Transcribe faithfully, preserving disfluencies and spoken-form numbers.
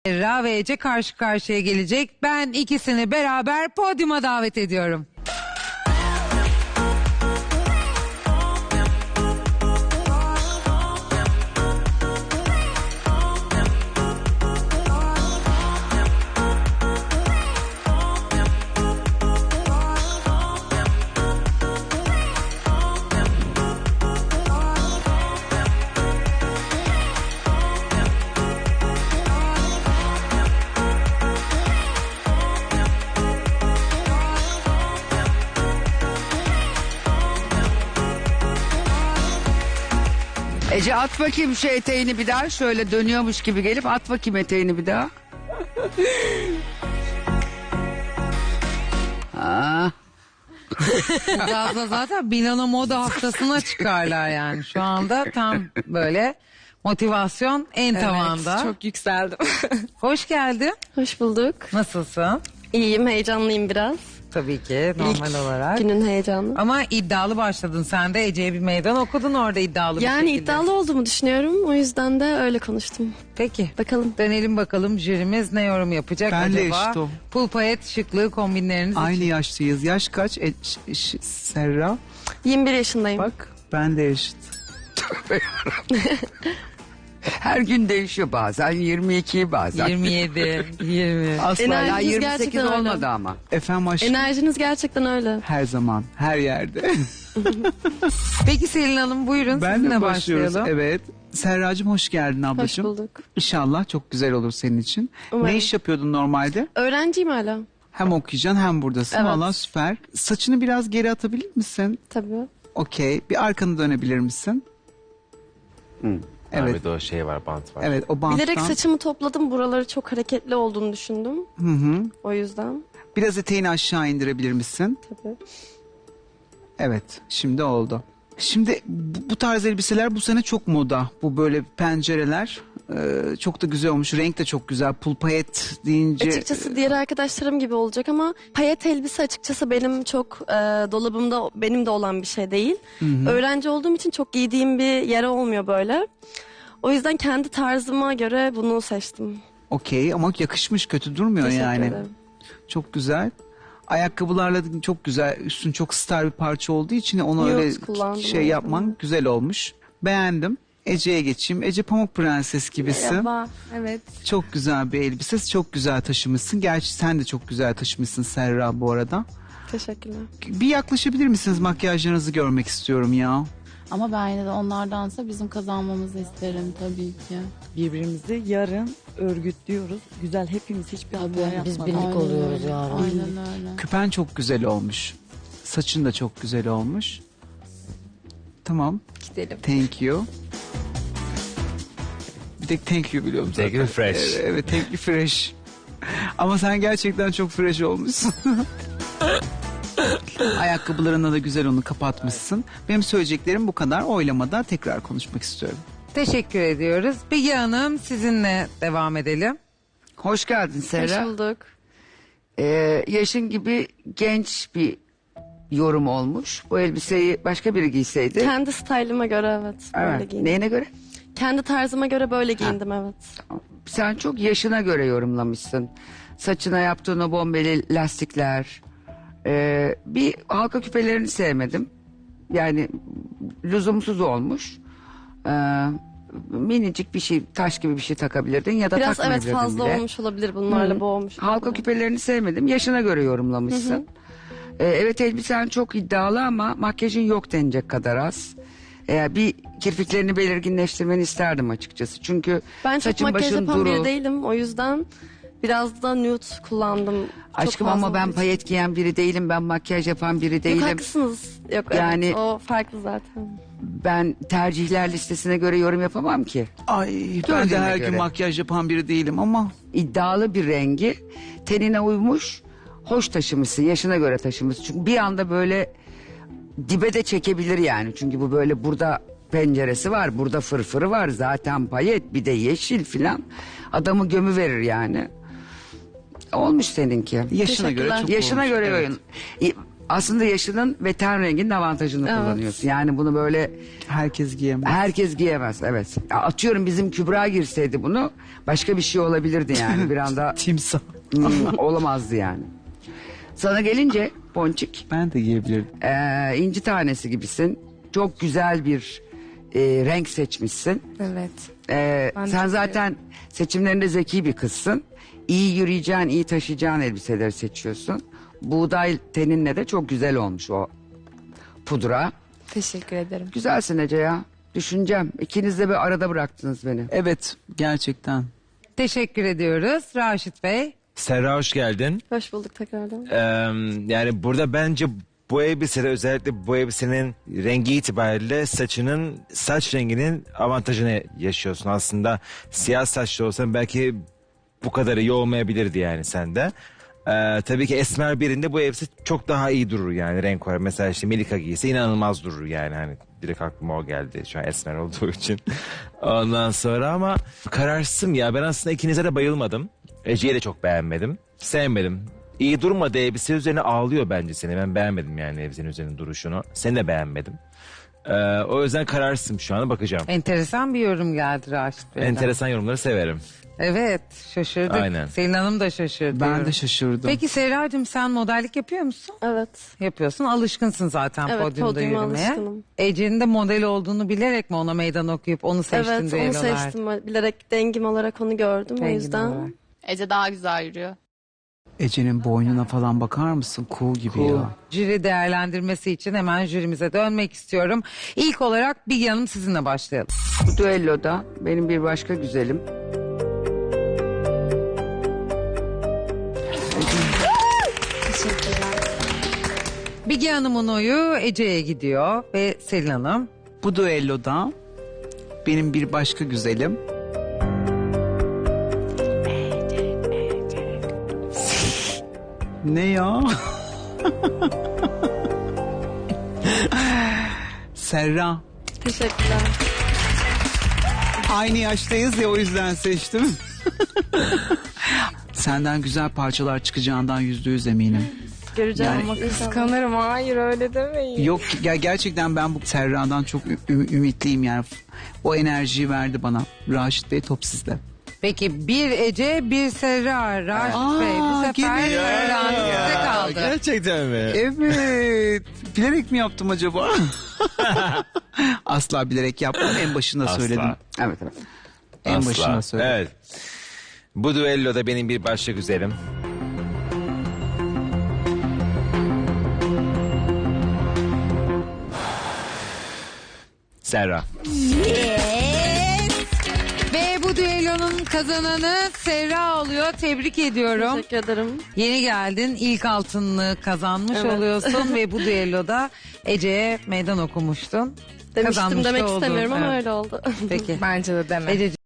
Serra ve Ece karşı karşıya gelecek. Ben ikisini beraber podyuma davet ediyorum. Ece at bakayım şu eteğini bir daha. Şöyle dönüyormuş gibi gelip at bakayım eteğini bir daha. Aa. Birazdan zaten Milano Moda Haftası'na çıkarlar yani. Şu anda tam böyle motivasyon en tavanda. Evet, çok yükseldim. Hoş geldin. Hoş bulduk. Nasılsın? İyiyim, heyecanlıyım biraz. Tabii ki normal İlk olarak. günün heyecanı. Ama iddialı başladın. Sen de Ece'ye bir meydan okudun orada iddialı bir Yani şekilde. iddialı olduğumu düşünüyorum. O yüzden de öyle konuştum. Peki. Bakalım. Dönelim bakalım jürimiz ne yorum yapacak Ben de acaba? eşit o. Pul payet şıklığı kombinleriniz Aynı için. yaştayız. Yaş kaç? E, ş- ş- Serra. yirmi bir yaşındayım. Bak ben de eşit. Her gün değişiyor bazen yirmi iki bazen. yirmi yedi, yirmi. Asla. Enerji- Hala Enerjiniz yirmi sekiz gerçekten öyle. olmadı ama. Efendim aşkım. Enerjiniz gerçekten öyle. Her zaman, her yerde. Peki Selin Hanım buyurun ben sizinle de başlıyoruz. başlayalım. Evet. Serracığım hoş geldin Hoş ablacığım. bulduk. İnşallah çok güzel olur senin için. Umarım. Ne iş yapıyordun normalde? Öğrenciyim hala. Hem okuyacaksın hem buradasın. Evet. Valla süper. Saçını biraz geri atabilir misin? Tabii. Okey. Bir arkanı dönebilir misin? Hı. Evet. Abi de o şey var, bant var. Evet o banttan. Bilerek saçımı topladım. Buraları çok hareketli olduğunu düşündüm. Hı hı. O yüzden. Biraz eteğini aşağı indirebilir misin? Tabii. Evet, şimdi oldu. Şimdi bu, bu tarz elbiseler bu sene çok moda. Bu böyle pencereler e, çok da güzel olmuş. Renk de çok güzel. Pul payet deyince. Açıkçası diğer arkadaşlarım gibi olacak ama payet elbise açıkçası benim çok e, dolabımda benim de olan bir şey değil. Öğrenci olduğum için çok giydiğim bir yere olmuyor böyle. O yüzden kendi tarzıma göre bunu seçtim. Okey ama yakışmış, kötü durmuyor Teşekkür yani. ederim. Çok güzel. Ayakkabılarla da çok güzel. Üstün çok star bir parça olduğu için onu Nude öyle kullandım şey o yapman yüzden. güzel olmuş. Beğendim. Ece'ye geçeyim. Ece Pamuk Prenses gibisin. Merhaba. Evet. Çok güzel bir elbise. Çok güzel taşımışsın. Gerçi sen de çok güzel taşımışsın Serra bu arada. Teşekkürler. Bir yaklaşabilir misiniz? Makyajlarınızı görmek istiyorum ya. Ama ben yine de onlardansa bizim kazanmamızı isterim tabii ki. Birbirimizi yarın örgütlüyoruz. Güzel, hepimiz hiçbir hata yapmadık. Biz birlik Aynen oluyoruz öyle, yarın. Aynen öyle. Küpen çok güzel olmuş. Saçın da çok güzel olmuş. Tamam. Gidelim. Thank you. Bir tek thank you biliyorum zaten. Thank you fresh. Evet, evet thank you fresh. Ama sen gerçekten çok fresh olmuşsun. Ayakkabılarına da güzel onu kapatmışsın. Benim söyleyeceklerim bu kadar. Oylamada tekrar konuşmak istiyorum. Teşekkür ediyoruz. Bilge Hanım sizinle devam edelim. Hoş geldin Serra. Hoş bulduk. Ee, yaşın gibi genç bir yorum olmuş. Bu elbiseyi başka biri giyseydi. Kendi stylıma göre evet. Böyle Evet. giyindim. Neyine göre? Kendi tarzıma göre böyle giyindim evet. Sen çok yaşına göre yorumlamışsın. Saçına yaptığın o bombeli lastikler. Ee, bir halka küpelerini sevmedim. Yani lüzumsuz olmuş. Ee, minicik bir şey, taş gibi bir şey takabilirdin ya da Biraz evet takmayabilirdin fazla bile. olmuş olabilir bunlarla Hı. boğmuş. Halka olabilir. küpelerini sevmedim. Yaşına göre yorumlamışsın. Ee, evet elbisen çok iddialı ama makyajın yok denecek kadar az. Ee, bir kirpiklerini belirginleştirmeni isterdim açıkçası. Çünkü Ben çok saçın makyaj başın yapan duru. biri değilim. O yüzden biraz da nude kullandım. Çok Aşkım fazla ama ben olduğu için. payet giyen biri değilim. Ben makyaj yapan biri Yok değilim. haklısınız. Yok Yani- evet o farklı zaten. Ben tercihler listesine göre yorum yapamam ki. Ay ben de Gördüğüne her göre. gün makyaj yapan biri değilim ama İddialı bir rengi tenine uymuş, hoş taşımışsın, yaşına göre taşımışsın. Çünkü bir anda böyle dibe de çekebilir yani. Çünkü bu böyle burada penceresi var, burada fırfırı var, zaten payet, bir de yeşil filan. Adamı gömü verir yani. Olmuş seninki. yaşına göre Teşekkürler. çok Yaşına olmuş. göre Evet. oyun. aslında yaşının ve ten renginin avantajını Evet. kullanıyorsun. Yani bunu böyle Herkes giyemez. herkes giyemez. Evet. Ya atıyorum bizim Kübra girseydi bunu başka bir şey olabilirdi yani. Bir anda Timsah. hmm, olamazdı yani. Sana gelince Ponçik, Ben de giyebilirdim. ee, inci tanesi gibisin. Çok güzel bir e, renk seçmişsin. Evet. Ee, Ben de sen çok zaten seçimlerinde zeki bir kızsın. İyi yürüyeceğin, iyi taşıyacağın elbiseleri seçiyorsun. Buğday teninle de çok güzel olmuş o pudra. Teşekkür ederim. Güzelsin Ece ya. Düşüneceğim. İkiniz de bir arada bıraktınız beni. Evet, gerçekten. Teşekkür ediyoruz Raşit Bey. Serra hoş geldin. Hoş bulduk tekrardan. Ee, yani burada bence bu elbisede özellikle bu elbisenin rengi itibariyle saçının saç renginin avantajını yaşıyorsun. Aslında siyah saçlı olsan belki bu kadar iyi olmayabilirdi yani sende. Ee, tabii ki esmer birinde bu elbise çok daha iyi durur yani renk olarak. Mesela işte Melika giyse inanılmaz durur yani hani direkt aklıma o geldi şu an esmer olduğu için. Ondan sonra ama kararsızım ya, ben aslında ikinize de bayılmadım. Ece'yi de çok beğenmedim. Sevmedim. İyi durmadı, elbise üzerine ağlıyor bence seni. Ben beğenmedim yani elbisenin üzerine duruşunu. Seni de beğenmedim. Ee, o yüzden kararsızım şu an, bakacağım. Enteresan bir yorum geldi Raşit Bey'den. Enteresan yorumları severim. Evet, şaşırdık. Aynen. Selin Hanım da şaşırdı. Ben de şaşırdım. Peki Serracığım, sen modellik yapıyor musun? Evet. Yapıyorsun. Alışkınsın zaten Evet, podyumda podyuma yürümeye. alışkınım. Ece'nin de model olduğunu bilerek mi ona meydan okuyup onu seçtin Evet onu düellolarda? seçtim. Bilerek dengim olarak onu gördüm o Rengin yüzden. olarak. Ece daha güzel yürüyor. Ece'nin boynuna falan bakar mısın? Kuğu gibi Cool. ya. Jüri değerlendirmesi için hemen jürimize dönmek istiyorum. İlk olarak Bilge Hanım, sizinle başlayalım. Bu düelloda benim bir başka güzelim. Bilge Hanım'ın oyu Ece'ye gidiyor ve Selin Hanım. Bu düelloda benim bir başka güzelim. Ne ya? Serra. Teşekkürler. Aynı yaştayız ya, o yüzden seçtim. Senden güzel parçalar çıkacağından yüzde yüz eminim. Göreceğim Yani- ama inşallah. Kıskanırım. Hayır öyle demeyin. Yok ya, gerçekten ben bu Serra'dan çok ü- ü- ümitliyim yani. O enerjiyi verdi bana. Raşit Bey, top sizde. Peki bir Ece, bir Serra. Raşit Aa, Bey, bu sefer gene- öğrenci size kaldı. Gerçekten mi? Evet. Bilerek mi yaptım acaba? Asla bilerek yapmadım. En başında Asla. söyledim. Evet evet. En Asla. başında söyledim. Evet. Bu düelloda benim bir başka güzelim. Serra. Ve bu düellonun kazananı Serra oluyor. Tebrik ediyorum. Teşekkür ederim. Yeni geldin, ilk altınını kazanmış Evet. oluyorsun ve bu düelloda Ece'ye meydan okumuştun. Demiştim Kazanmış demek da oldun. istemiyorum ama Evet. öyle oldu. Peki. Bence de deme. Ece